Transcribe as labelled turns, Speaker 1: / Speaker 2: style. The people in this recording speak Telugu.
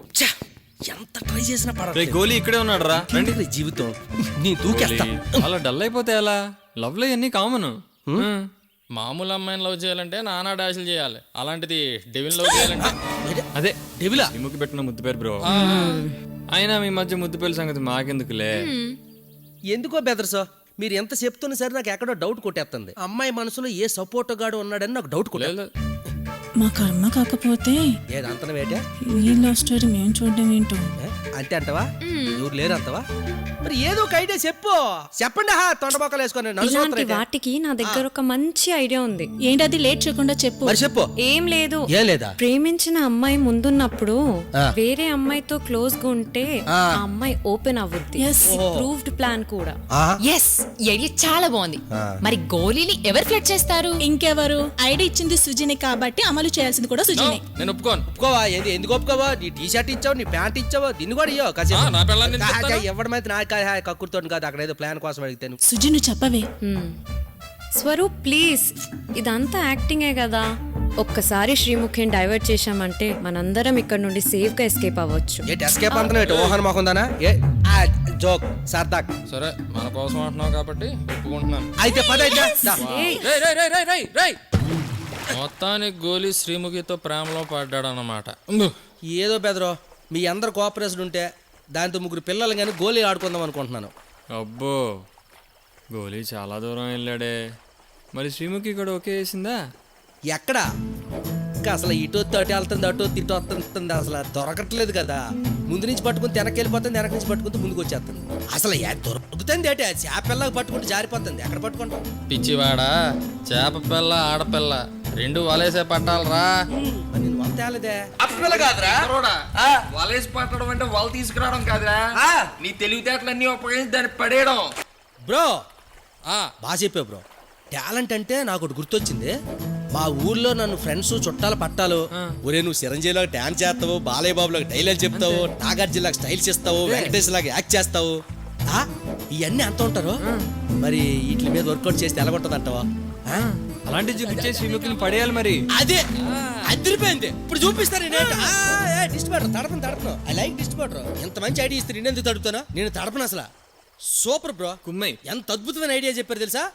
Speaker 1: ఛ! ఎంత ట్రై చేసినా
Speaker 2: రే
Speaker 1: పడట్లేదు.
Speaker 2: గోలీ ఇక్కడే ఉన్నాడు రా రండి.
Speaker 1: ఏంటి జీవితం నీ దూకేస్తా.
Speaker 2: అలా డల్ అయిపోతే ఎలా? లవ్ లో అన్ని కామన్.
Speaker 3: మామూలు అమ్మాయిని లవ్ చేయాలంటే నానా డాషులు చేయాలి, అలాంటిది డెవిల్ లవ్ చేయాలంటే
Speaker 2: అదే
Speaker 1: డెవిలా
Speaker 2: ఇముకి పెట్టిన ముద్దు పేరు బ్రో. అయినా మీ మధ్య ముద్దు పేరు సంగతి మాకెందుకులే.
Speaker 1: ఎందుకో బెదర్సో మీరు ఎంత చెప్తున్నా సరే నాకు ఎక్కడో డౌట్ కొట్టేస్తుంది. అమ్మాయి మనసులో ఏ సపోర్ట్ గాడు ఉన్నాడని నాకు డౌట్ కొట్టే.
Speaker 3: లేదు.
Speaker 4: మా కర్మ కాకపోతే
Speaker 1: ఏది అంతన వేటే
Speaker 4: ఈ లవ్ స్టోరీ మేము చూడడం ఏంటో.
Speaker 1: అంటే అంటవా? ఎవరు లేరు అంతవా? మరి ఏదో ఒక ఐడియా చెప్పండి. తొండబొక్కలు వేసుకొని
Speaker 5: ఇలాంటి వాటికి నా దగ్గర ఒక మంచి ఐడియా ఉంది.
Speaker 4: ఏంటది? లేట్ చేయకుండా చెప్పు.
Speaker 1: మరి చెప్పు.
Speaker 5: ఏం లేదు,
Speaker 1: ఏం లేదా?
Speaker 5: ప్రేమించిన అమ్మాయి ముందున్నప్పుడు వేరే అమ్మాయితో క్లోజ్ గా ఉంటే ఆ అమ్మాయి ఓపెన్ అవ్వుద్ది. ప్రూవ్డ్ ప్లాన్ కూడా.
Speaker 6: ఎస్, ఐడియా చాలా బాగుంది. మరి గోళీని ఎవరు ఫ్లడ్ చేస్తారు?
Speaker 4: ఇంకెవరు? ఐడియా ఇచ్చింది సుజినే కాబట్టి అమలు చేయాల్సింది కూడా సుజినే.
Speaker 3: నేను ఒప్పుకోను.
Speaker 1: ఒప్పుకోవా? ఎందుకు ఒప్పుకోవా? నీ టీ షర్ట్ ఇచ్చావు, నీ ప్యాంట్ ఇచ్చావు, దీన్ని కూడా ఇయ్యో
Speaker 3: నా పిల్లని నేను చెప్తాను.
Speaker 1: ఎవడమైతే నా కక్కుర్తో కాదు, అక్కడ ఏదో ప్లాన్ కోసం అడిగితే
Speaker 4: సుజి నువ్వు చెప్పవే.
Speaker 5: స్వరూప్ ప్లీజ్, ఇదంతా యాక్టింగే కదా. ఒక్కసారి శ్రీముఖిని డైవర్ట్ చేశామంటే మనందరం ఇక్కడ నుండి సేఫ్ గా ఎస్కేప్ అవ్వచ్చు.
Speaker 1: ఏంటి ఎస్కేప్ అంతనే ఓహన్ మాకుందానా? జోక్ సర్దాక్.
Speaker 3: సరే, మన కోసం అంటున్నావు కాబట్టి ఒప్పుకుంటున్నాను.
Speaker 1: అయితే పద అయితే. దా.
Speaker 5: ఏయ్,
Speaker 3: రేయ్. మొత్తానికి గోలీ శ్రీముఖితో ప్రేమలో పడ్డాడు అన్నమాట.
Speaker 1: ఏదో బెదరో మీ అందరు కోఆపరేషన్ ఉంటే దాంతో ముగ్గురు పిల్లలు కానీ గోళీ ఆడుకుందాం అనుకుంటున్నాను.
Speaker 2: అబ్బో గోలీ చాలా దూరం వెళ్ళాడే. మరి శ్రీముఖి కూడా ఓకే వేసిందా?
Speaker 1: ఎక్కడ ఇంకా అసలు ఇటు అటు వెళ్తుంది, అటు ఇటు వస్తుంది, అసలు దొరకట్లేదు కదా. ముందు నుంచి పట్టుకుని వెనక్కి వెళ్ళిపోతుంది, వెనక నుంచి పట్టుకుంటే ముందుకు వచ్చేస్తుంది. అసలు దొరుకుతుంది ఏంటి? చేపల్లాగా పట్టుకుంటే జారిపోతుంది. ఎక్కడ పట్టుకుంటాం?
Speaker 3: పిచ్చివాడా, చేప పిల్ల ఆడపిల్ల రెండు వలేసే పట్టాలరా.
Speaker 1: నేను వంత తేలేదే.
Speaker 7: వలేసి పట్టడం అంటే వల తీసుకురావడం కాదురా, నీ తెలివితేటలన్నీ ఉపయోగించి దాన్ని పడేయడం.
Speaker 1: బ్రో బాగా చెప్పావు బ్రో. టాలెంట్ అంటే నాకు ఒకటి గుర్తొచ్చింది. మా ఊర్లో నన్ను ఫ్రెండ్స్ చుట్టాలు పట్టాలు, ఒరే నువ్వు చిరంజీవిలో డాన్స్ చేస్తావు, బాలయ్య బాబులకు డైలాగ్ చెప్తావు, నాగార్జునలాగా స్టైల్స్ ఇస్తావు, వెంకటేష్ లాగా యాక్ట్ చేస్తావు, ఇవన్నీ అంత ఉంటారు. మరి వీటి మీద వర్కౌట్ చేస్తే ఎలాగొంటది అంటావా?
Speaker 2: అలాంటి చూపించే శ్రీముఖిని పడేయాలి మరి.
Speaker 1: అదే అదిరిపోయింది. ఇప్పుడు చూపిస్తారు. డిస్ట్రిబ్యూటర్ తడపను. I like distributor. ఎంత మంచి ఐడియా ఇస్తారు. నేను ఎందుకు తడుపుతాను? నేను తడపను అసలు. Super bro.
Speaker 2: కుమ్మై
Speaker 1: ఎంత అద్భుతమైన ఐడియా చెప్పారు తెలుసా?